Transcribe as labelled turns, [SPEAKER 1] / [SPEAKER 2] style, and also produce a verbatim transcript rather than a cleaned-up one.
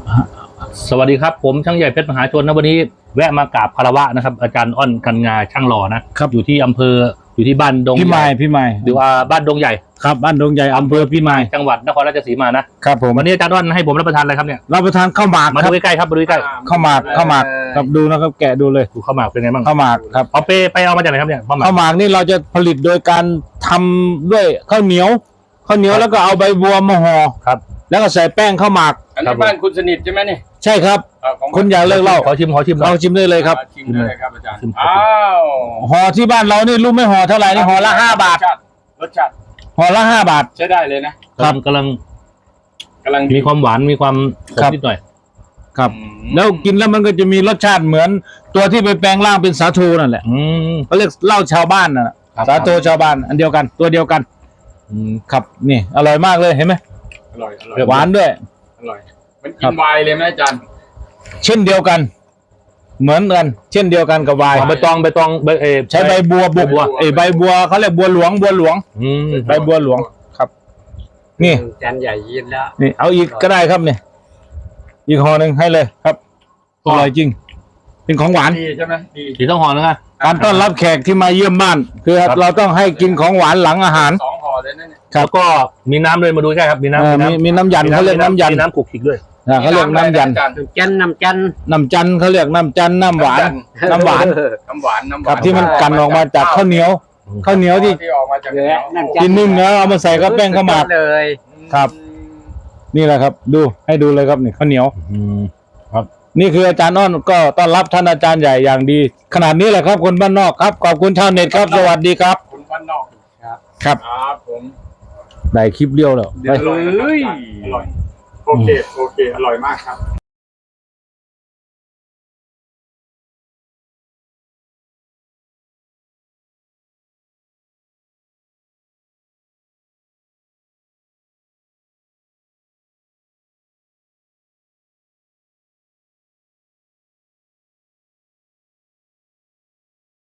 [SPEAKER 1] สวัสดีครับผมช่างใหญ่เพชรมหาชนนะวันนี้แวะมากราบคารวะนะครับอาจารย์อ้อนกันงาช่างหล่อนะครับอยู่ที่อำเภออยู่ที่บ้านดง
[SPEAKER 2] พี่ไม้พี่ไม้
[SPEAKER 1] หรือว่าบ้านดงใหญ่
[SPEAKER 2] ครับบ้านดงใหญ่อำเภอพี่ไม้
[SPEAKER 1] จังหวัดนครราชสีมานะครับ
[SPEAKER 2] ผม
[SPEAKER 1] วันนี้อาจารย์อ้อนให้ผมรับประทานอะไรครับเนี่ย
[SPEAKER 2] รับประทานข้าวหมาก
[SPEAKER 1] มา
[SPEAKER 2] ครั
[SPEAKER 1] ดู
[SPEAKER 2] บ
[SPEAKER 1] ใกล้ๆครับมาดูใกล้
[SPEAKER 2] ข้าวหมากข้าวหมากครับดูนะครับแกะดูเลย
[SPEAKER 1] ๆดูข้าวหมากเป็นไงบ้าง
[SPEAKER 2] ข้าวหมากครับ
[SPEAKER 1] เอาไปไปเอามาจากไหนครับเนี่ยข้าวหมาก
[SPEAKER 2] ข้าวหมากนี่เราจะผลิตโดยการทำด้วยข้าวเหนียวข้าวเหนียวแล้วก็เอาใบบัวมาห่อ
[SPEAKER 1] ครับ
[SPEAKER 2] แล้วก็ใส่แป้งข้าวหมาก
[SPEAKER 3] อันนี้บ้านคุณสนิทใช่ไหมนี่
[SPEAKER 2] ใช่ครับ
[SPEAKER 3] เอ่อของ
[SPEAKER 2] คุณอยากเลิกเหล่า
[SPEAKER 1] ขอชิมขอชิมหน่
[SPEAKER 2] เรา
[SPEAKER 1] อย
[SPEAKER 2] ชิมได้เลยครับ
[SPEAKER 3] ชิมเลยครับอาจารย์
[SPEAKER 1] ชิม
[SPEAKER 3] อ้าว
[SPEAKER 2] ห่อที่บ้านเรานี่รู้ไหมห่อเท่าไหร่นี่ห่อละห้าบาท
[SPEAKER 3] รสชติรสชาติ
[SPEAKER 2] ห่อละห้าบาท
[SPEAKER 3] ใช้ได้เลยนะครับ
[SPEAKER 1] กำลัง
[SPEAKER 3] กำลัง
[SPEAKER 1] มีความหวานมีความขม
[SPEAKER 2] ครับ
[SPEAKER 1] นิดหน่อย
[SPEAKER 2] ครับ
[SPEAKER 3] อืม
[SPEAKER 2] แล้วกินแล้วมันก็จะมีรสชาติเหมือนตัวที่ไปแปลงร่างเป็นสาโทนั่นแหละ
[SPEAKER 1] อืม
[SPEAKER 2] เขาเรียกเหล้าชาวบ้านน่ะ
[SPEAKER 1] ครับ
[SPEAKER 2] สาโทชาวบ้านอันเดียวกันตัวเดียวกัน
[SPEAKER 1] อืม
[SPEAKER 2] ครับนี่อร่อยมากเลยเห็นไหม
[SPEAKER 3] อร่อยอร่อย
[SPEAKER 2] หวานด้วย
[SPEAKER 3] อร่อยมัน
[SPEAKER 2] ครั
[SPEAKER 3] กิ
[SPEAKER 2] บ
[SPEAKER 3] นไวน์เลยไหมอาจารย์
[SPEAKER 2] เช่นเดียวกัน เหมือนกัน เช่นเดียวกันกับไวน์
[SPEAKER 1] เอาใบตองใบตองใบเออ
[SPEAKER 2] ใช้ใบบัวบุก
[SPEAKER 1] ใบบัว
[SPEAKER 2] เอ้ยใบบัวเขาเรียกบัวหลวงบัวหลวง
[SPEAKER 1] อืม
[SPEAKER 2] ใบบัวหลวงครับ นี่
[SPEAKER 4] จานใหญ่ยินแล้ว
[SPEAKER 2] นี่เอาอีกก็ได้ครับเนี่ยอีกห่อหนึ่งให้เลยครับอร่อยจริง เป็นของหวาน
[SPEAKER 3] ดีใช่ไหมดี
[SPEAKER 1] สีต้องหอนะ
[SPEAKER 2] การต้อนรับแขกที่มาเยี่ยมบ้าน คือ
[SPEAKER 1] ครับ
[SPEAKER 2] เราต้องให้กินของหวานหลังอาหาร
[SPEAKER 3] สองห่อเลยนะเนี่ย
[SPEAKER 2] ครับ
[SPEAKER 1] แล้วก็มีน้ำด้วยมาดูใช่ครับมี
[SPEAKER 2] เออ
[SPEAKER 1] น้ำ
[SPEAKER 2] มีมีน้ำยันเขาเรียกน้ำยัน
[SPEAKER 1] มีน้ำขลุกขลิกด้วย
[SPEAKER 2] อ่าเขาเรียกน้ำยัน
[SPEAKER 3] อาจารย์
[SPEAKER 4] จันน้ำจัน
[SPEAKER 2] น้ำจันเขาเรียกน้ำจันน้ำหวาน น้ำหวาน
[SPEAKER 3] น้ำหวานน้ำห
[SPEAKER 2] ครั
[SPEAKER 3] วา
[SPEAKER 2] บ
[SPEAKER 3] น
[SPEAKER 2] ที่มันกันออกมาจากข้าวเหนียว ข้าวเหนียวที่
[SPEAKER 3] ที่ออกมาจากเหนียว
[SPEAKER 4] น้ำจัน
[SPEAKER 2] กินนึ่งแล้วเอามาใส่กับแป้งข้าวหมาก
[SPEAKER 4] เลย
[SPEAKER 2] ครับ นี่แหละครับ ดูให้ดูเลยครับนี่ข้าวเหนียว
[SPEAKER 1] อืม
[SPEAKER 2] นี่คืออาจารย์อ้อนก็ต้อนรับท่านอาจารย์ใหญ่อย่างดี ขนาดนี้แหละครับคนบ้านนอกครับขอบคุณชาวเน็ตครับ สวัสดีครับ
[SPEAKER 3] คุณบ้านนอก
[SPEAKER 2] ครับ
[SPEAKER 3] ครับผม
[SPEAKER 2] ได้คลิปเดียวแล้ว
[SPEAKER 3] อร่อยนะครับอาจารย์อร่อยโอเคโอเคอร่อยมากครับ